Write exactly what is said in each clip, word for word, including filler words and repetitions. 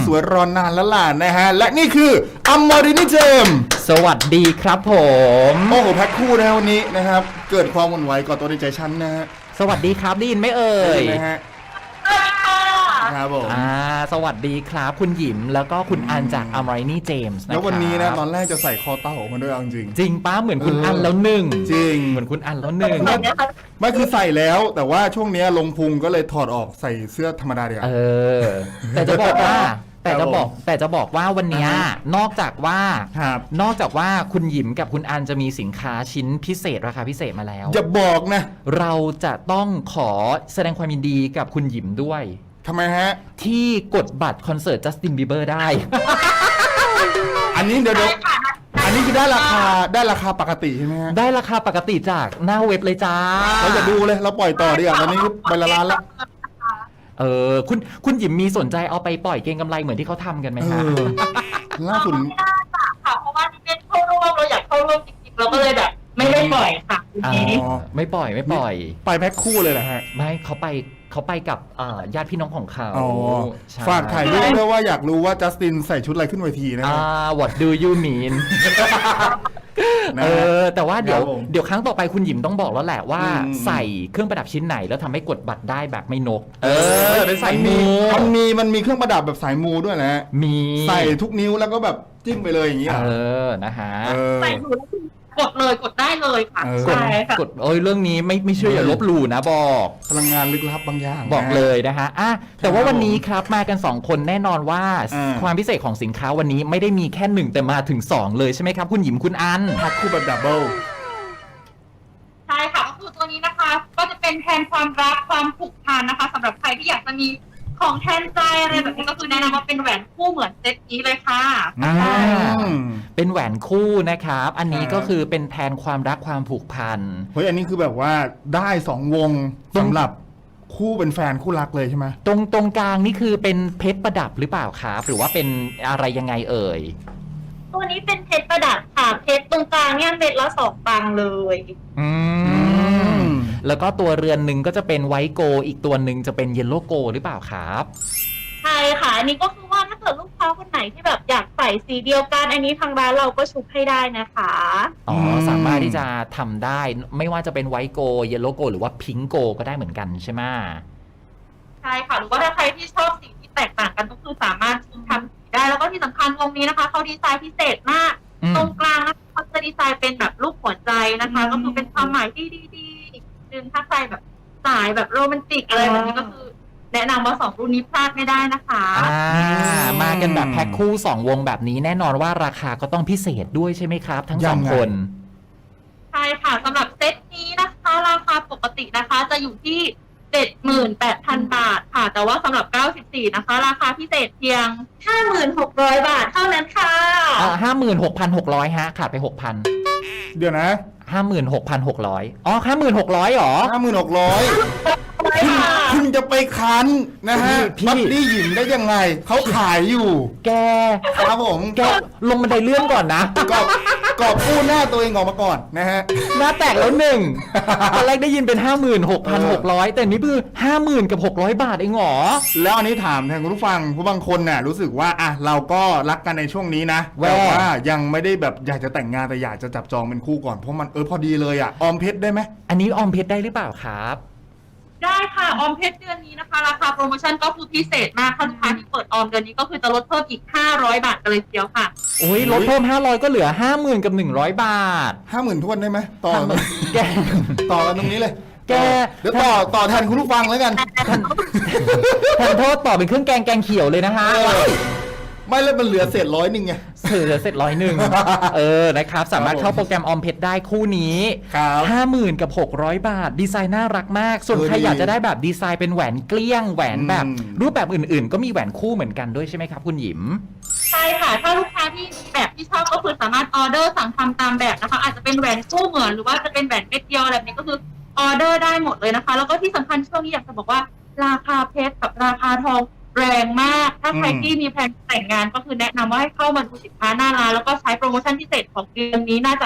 สวยรอนานแล้วล่ะนะฮะและนี่คืออัมมอรินีเจมสวัสดีครับผมโอ้โหแพ็คคู่นะวันนี้นะครับเกิดความหวั่นไหวก่อนตัวในใจฉันนะฮะสวัสดีครับได้ยินไหมเอ่ยนะฮะครับผมอ่าสวัสดีครับคุณหยิมแล้วก็คุณอันจากอัมมอรินีเจมส์นะครับแล้ววันนี้นะตอนแรกจะใส่คอเต่ามาด้วยจริงจริงป้าเหมือนคุณอันแล้วหนึ่งจริงเหมือนคุณอันแล้วหนึ่งไม่คือใส่แล้วแต่ว่าช่วงนี้ลงพุงก็เลยถอดออกใส่เสื้อธรรมดาเดียวเออแต่จะบอกว่าแต่จะบอกแต่จะบอกว่าวันนี้นอกจากว่านอกจากว่าคุณหยิมกับคุณอันจะมีสินค้าชิ้นพิเศษราคาพิเศษมาแล้วอย่าบอกนะเราจะต้องขอแสดงความยินดีกับคุณหยิมด้วยทำไมฮะที่กดบัตรคอนเสิร์ตจัสตินบีเบอร์ได้อันนี้เดี๋ยวอันนี้คือได้ราคาได้ราคาปกติใช่ไหมฮะได้ราคาปกติจากหน้าเว็บเลยจ้าเราจะดูเลยเราปล่อยต่อดีกว่าตอนนี้ไปละล้านแล้วเออคุณคุณหยิมมีสนใจเอาไปปล่อยเก็งกำไรเหมือนที่เขาทำกันไหมคะล่าสุดค่ะเพราะว่าที่เป็นเข้าร่วมเราอยากเข้าร่วมจริงๆเราก็เลยแบบไม่ได้ปล่อยค่ะไม่ปล่อยไม่ปล่อยไปแพ็คคู่เลยเหรอฮะไม่เขาไปเขาไปกับญาติพี่น้องของเขาฝากถ่ายรูปด้วยว่าอยากรู้ว่าจัสตินใส่ชุดอะไรขึ้นเวทีนะ What do you mean เออแต่ว่าเดี๋ยวเดี๋ยวครั้งต่อไปคุณหยิมต้องบอกแล้วแหละว่าใส่เครื่องประดับชิ้นไหนแล้วทำให้กดบัตรได้แบบไม่นกเออเป็นสายมูมันมีมันมีเครื่องประดับแบบสายมูด้วยนะมีใส่ทุกนิ้วแล้วก็แบบจิ้มไปเลยอย่างนี้เออนะฮะใส่หูกดเลยกดได้เลยค่ะใช่ค่ะกดเอ้ยเรื่องนี้ไม่ไม่เชื่ออย่าลบหลู่นะบอกพลังงานลึกลับบางอย่างบอกเลยนะฮะอ่ะแต่ว่าวันนี้ครับมากันสองคนแน่นอนว่าความพิเศษของสินค้าวันนี้ไม่ได้มีแค่หนึ่งแต่มาถึงสองเลยใช่ไหมครับคุณหยิมคุณอันแพ็คคู่แบบดับเบิลใช่ค่ะก็คือตัวนี้นะคะก็จะเป็นแทนความรักความผูกพันนะคะสำหรับใครที่อยากจะมีของแทนใจอะไรแบบนี้ก็คือแนะนำว่าเป็นแหวนคู่เหมือนเซตนี้เลยค่ะอ่าเป็นแหวนคู่นะครับอันนี้ก็คือเป็นแทนความรักความผูกพันเฮ้ยอันนี้คือแบบว่าได้สองวงสำหรับคู่เป็นแฟนคู่รักเลยใช่ไหมตรงตรงกลางนี่คือเป็นเพชรประดับหรือเปล่าครับหรือว่าเป็นอะไรยังไงเอ่ยตัวนี้เป็นเพชรประดับค่ะเพชรตรงกลางเนี่ยเม็ดละสองปังเลยอืมแล้วก็ตัวเรือนหนึ่งก็จะเป็นไวท์โกอีกตัวหนึ่งจะเป็นเยลโล่โกหรือเปล่าครับใช่ค่ะอันนี้ก็คือว่าถ้าเกิดลูกค้าคนไหนที่แบบอยากใส่สีเดียวกันอันนี้ทางร้านเราก็ชุบให้ได้นะคะอ๋อสามารถที่จะทำได้ไม่ว่าจะเป็นไวท์โกเยลโล่โกหรือว่าพิงค์โกก็ได้เหมือนกันใช่ไหมใช่ค่ะหรือว่าถ้าใครที่ชอบสีที่แตกต่างกันก็คือสามารถทำสีได้แล้วก็ที่สำคัญวงนี้นะคะเขาดีไซน์พิเศษมากตรงกลางนะคะเขาจะดีไซน์เป็นแบบรูปหัวใจนะคะก็คือเป็นความหมายที่ดีๆดึงถ้าใครแบบสายแบบโรแมนติกอะไรแบบนี้ก็คือแนะนำว่าสองรุ่นนี้พลาดไม่ได้นะคะอ่ามากันแบบแพ็คคู่สองวงแบบนี้แน่นอนว่าราคาก็ต้องพิเศษด้วยใช่ไหมครับทั้งสองคนใช่ค่ะสำหรับเซตนี้นะคะราคาปกตินะคะจะอยู่ที่ เจ็ดหมื่นแปดพัน บาทค่ะแต่ว่าสำหรับเก้าสิบสี่นะคะราคาพิเศษเพียง ห้าหมื่นหกร้อย บาทเท่านั้นค่ะอ่า ห้าหมื่นหกพันหกร้อย ฮะขาดไป หกพันเดี๋ยวนะห้าหมื่นหกพันหกร้อย อ๋อ ห้าหมื่นหกร้อย เหรอห้าหมื่นหกร้อยคุณคุณจะไปคันนะฮะบัดดี้หยิมได้ยังไงเขาขายอยู่แกครับผมแกลงบันไดเลื่อนก่อนนะกอบกอบกู้หน้าตัวเองออกมาก่อนนะฮะหน้าแตกแล้วหนึ่งตอนแรกได้ยินเป็น ห้าหมื่นหกพันหกร้อย แต่นี่คือ ห้าหมื่น กับหกร้อยบาทเองเหรอแล้วอันนี้ถามแทนคุณผู้ฟังผู้บางคนน่ะรู้สึกว่าอ่ะเราก็รักกันในช่วงนี้นะแต่ว่ายังไม่ได้แบบอยากจะแต่งงานแต่อยากจะจับจองเป็นคู่ก่อนเพราะมันเออพอดีเลยอ่ะออมเพชรได้ไหมอันนี้ออมเพชรได้หรือเปล่าครับได้ค่ะออมเพชรเดือนนี้นะคะราคาโปรโมชั่นก็คือพิเศษมากถ้าลูกค้าที่เปิดออมเดือนนี้ก็คือจะลดเพิ่มอีกห้าร้อยบาทกันเลยทีเดียวค่ะโอ้ยลดเพิ่มห้าร้อยก็เหลือ ห้าหมื่น กับหนึ่งร้อยบาทห้าหมื่น ทวนได้ไหมต่อแกต่อกันตรงนี้เลยแกเดี๋ยวต่อต่อแทนคุณผู้ฟังแล้วกันแทนโทษต่อเป็นเครื่องแกงแกงเขียวเลยนะฮะไม่แล้วมันเหลือเศษร้อยหนึ่งไงเหลือเศษร้อยหนึ่งเออนะครับสามารถเข้าโปรแกรมออมเพชรได้คู่นี้ห้าหมื่นกับหกร้อยบาทดีไซน์น่ารักมากส่วนใครอยากจะได้แบบดีไซน์เป็นแหวนเกลี้ยงแหวนแบบรูปแบบอื่นๆก็มีแหวนคู่เหมือนกันด้วยใช่ไหมครับคุณหยิมใช่ค่ะถ้าลูกค้าที่มีแบบที่ชอบก็คือสามารถออเดอร์สั่งทำตามแบบนะคะอาจจะเป็นแหวนคู่เหมือนหรือว่าจะเป็นแหวนเม็ดเดียวอะไรแบบนี้ก็คือออเดอร์ได้หมดเลยนะคะแล้วก็ที่สำคัญช่วงนี้อยากจะบอกว่าราคาเพชรกับราคาทองแรงมากถ้าใครที่มีแผนแต่งงานก็คือแนะนำว่าให้เข้ามาดูสินค้าหน้าร้านแล้วก็ใช้โปรโมชั่นพิเศษของเดือนนี้น่าจะ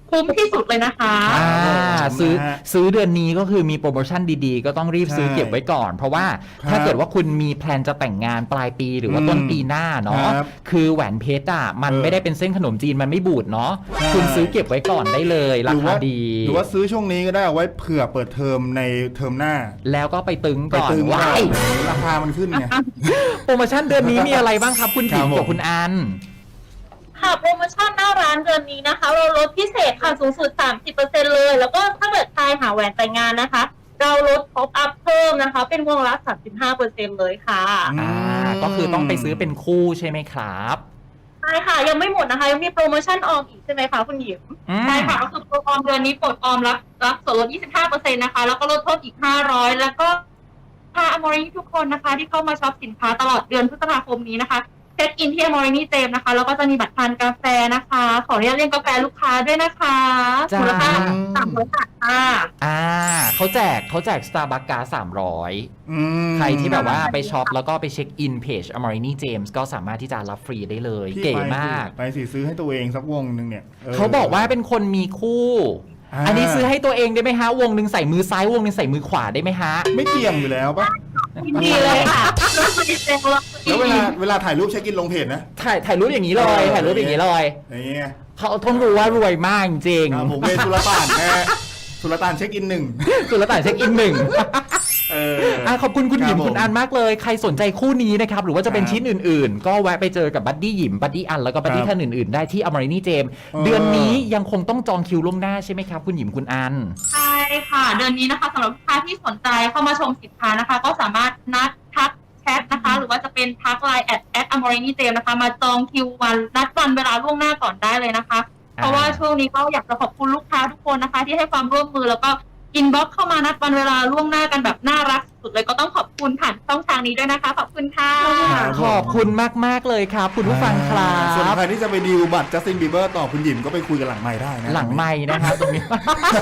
คุ้มที่สุดเลยนะคะอ่าครับผมซื้อนะฮะซื้อเดือนนี้ก็คือมีโปรโมชั่นดีๆ ก็ต้องรีบซื้อใช่เก็บไว้ก่อน เพราะว่าครับถ้าเกิดว่าคุณมีแพลนจะแต่งงานปลายปีหรือว่าอืมต้นปีหน้าเนาะครับคือแหวนเพชรอ่ะมันเออไม่ได้เป็นเส้นขนมจีนมันไม่บูดเนาะใช่คุณซื้อเก็บไว้ก่อนได้เลยราหรือคาว่าดีหรือว่าซื้อช่วงนี้ก็ได้เอาไว้เผื่อเปิดเทอมในเทอมหน้าแล้วก็ไปตึงไปก่อนตึงว้าก่อนยราคามันขึ้นไงโปรโมชั่นเดือนนี้มีอะไรบ้างครับคุณหญิงครับผมกับคุณอันค่ะโปรโมชั่นหน้าร้านเดือนนี้นะคะ เราลดพิเศษค่ะสูงสุด สามสิบเปอร์เซ็นต์ เลย แล้วก็ถ้าเกิดใครหาแหวนแต่งงานนะคะ เราลดท็อปอัพเพิ่มนะคะ เป็นวงละ สามสิบห้าเปอร์เซ็นต์ เลยค่ะอ่า ก็คือต้องไปซื้อเป็นคู่ใช่ไหมครับใช่ค่ะ ยังไม่หมดนะคะ ยังมีโปรโมชั่นออมอีกใช่ไหมคะคุณหญิงอืมใช่ค่ะก็คือโปรออมเดือนนี้ปลดออมรับรับส่วนลด ยี่สิบห้าเปอร์เซ็นต์ นะคะ แล้วก็ลดโทษอีก ห้าร้อย แล้วก็พาอมรินีทุกคนนะคะ ที่เข้ามาช็อปสินค้าตลอดเดือนพฤษภาคมนี้นะคะเช็คอินที่อมรินีเจมนะคะ แล้วก็จะมีบัตรทานกาแฟนะคะ ขออนุญาตเรียกกาแฟลูกค้าด้วยนะคะจ้ามูลค่าสามร้อยบาทค่ะอ่าเขาแจกเขาแจก Starbucks การ์ดสามร้อยอืมใครที่แบบว่าไปช็อปแล้วก็ไปเช็คอินเพจ Amorini James ก็สามารถที่จะรับฟรีได้เลยพี่เก๋ไปสิมากไปสิซื้อให้ตัวเองสักวงหนึ่งเนี่ยเขาบอกว่าเป็นคนมีคู่อ่าอันนี้ซื้อให้ตัวเองได้ไหมฮะ วงหนึ่งใส่มือซ้ายวงหนึ่งใส่มือขวาได้ไหมฮะไม่เกี่ยงอยู่แล้วปะดีเลยค่ะลดดีเซลแล้วแล้วเวลาเวลาถ่ายรูปเช็คอินลงเพจนะถ่ายถ่ายรูปอย่างนี้เลยเออถ่ายรูปอย่างนี้เลยอย่างเงี้ยเขาต้องรู้ว่ารวยมากจริงครับผมเป็นสุลต่านแค่สุลต่านเช็คอินหนึ่งสุลต่านเช็คอินหนึ่งเอออ่ะขอบคุณคุณหยิมครับผมคุณอันมากเลย ใครสนใจคู่นี้นะครับ หรือว่าจะเป็นครับชิ้นอื่นๆ ก็แวะไปเจอกับบัดดี้หยิมบัดดี้อันแล้วก็บัดดี้ครับท่านอื่นๆ ได้ที่อมรินีเจมเออเดือนนี้ยังคงต้องจองคิวล่วงหน้าใช่ไหมครับ คุณหยิมคุณอันใช่ค่ะ เดือนนี้นะคะสำหรับลูกค้าที่สนใจเข้ามาชมสินค้านะคะ ก็สามารถนัดทักแชทนะคะ หรือว่าจะเป็นทักไลน์แอดแอดอมรินีเจมนะคะ มาจองคิววันนัดวันเวลาล่วงหน้าก่อนได้เลยนะคะ เพราะว่าช่วงนี้ก็อยากจะขอบคุณลูกค้าทุกคนนะคะ ที่ให้ความร่วมมือแล้วก็อินบ็อกเข้ามานัดวันเวลาล่วงหน้ากันแบบน่ารักสุดเลยก็ต้องขอบคุณผ่านช่องทางนี้ด้วยนะคะ ขอบคุณค่ะครับขอบคุณมาก ๆ เลยครับ คุณผู้ฟังครัส่วนบใครที่จะไปดีลบัตรจัสตินบีเบอร์ต่อคุณหยิมก็ไปคุยกันหลังไม้ได้นะหลังไม่นะครับตรงนี้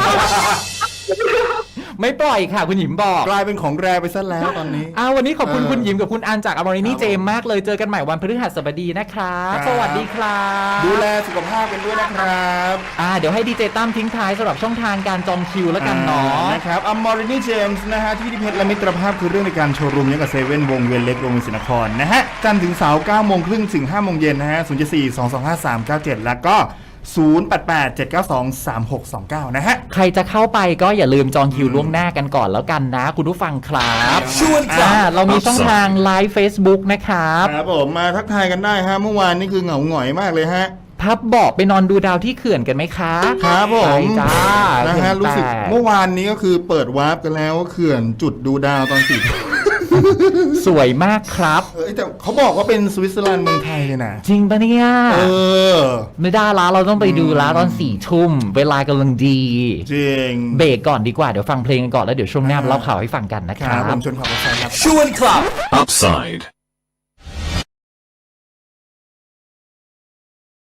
ไม่ปล่อยค่ะ คุณหยิมบอกกลายเป็นของแรไปซะแล้วตอนนี้อ้าววันนี้ขอบคุณเออคุณหยิมกับคุณอันจากอมรินีครับเจมมากเลยเจอกันใหม่วันพฤหัสบดีนะครับครับสวัสดีครับดูแลสุขภาพกันด้วยนะครับอ่าเดี๋ยวให้ดีเจตั้มทิ้งท้ายสำหรับช่องทางการจองคิวแล้วกันเนาะนะครับอัมมอรินีเจมส์นะฮะที่พิพิธภัณฑ์และมิตรภาพคือเรื่องในการโชว์รูมยังกับเซเว่นวงเวียนเล็กโรงเรียนศรีนครนะฮะจันทร์ถึงเสาร์เก้าโมงครึ่งถึงห้าโมงเย็นนะฮะศูนย์ สี่ สอง สอง ห้า สาม เก้า เจ็ดแล้วก็ศูนย์ แปด แปด เจ็ด เก้า สอง สาม หก สอง เก้านะฮะใครจะเข้าไปก็อย่าลืมจองคิวล่วงหน้ากันก่อนแล้วกันนะ คุณผู้ฟังครับชวนครับอ่าเรามีช่องทางไลฟ์ Facebook นะครับครับผมมาทักทายกันได้ฮะเมื่อวานนี่คือเหงาหงอยมากเลยฮะพับบอกไปนอนดูดาวที่เขื่อนกันไหมคะครับผมไปจ้านะฮะเขื่อนรู้สึกแตกเมื่อวานนี้ก็คือเปิดวาร์ปกันแล้วว่าเขื่อนจุดดูดาวตอนสี่สวยมากครับเอ้ยแต่เขาบอกว่าเป็นสวิตเซอร์แลนด์เมืองไทยเลยนะจริงปะเนี่ยเออไม่ได้ละเราต้องไปดูละตอนสี่ทุ่มเวลากำลังดีจริงเบรกก่อนดีกว่าเดี๋ยวฟังเพลงกันก่อนแล้วเดี๋ยวช่วงหน้ามาเล่าข่าวให้ฟังกันนะคครัรับผบมชวนขับรถไฟครับ Upside.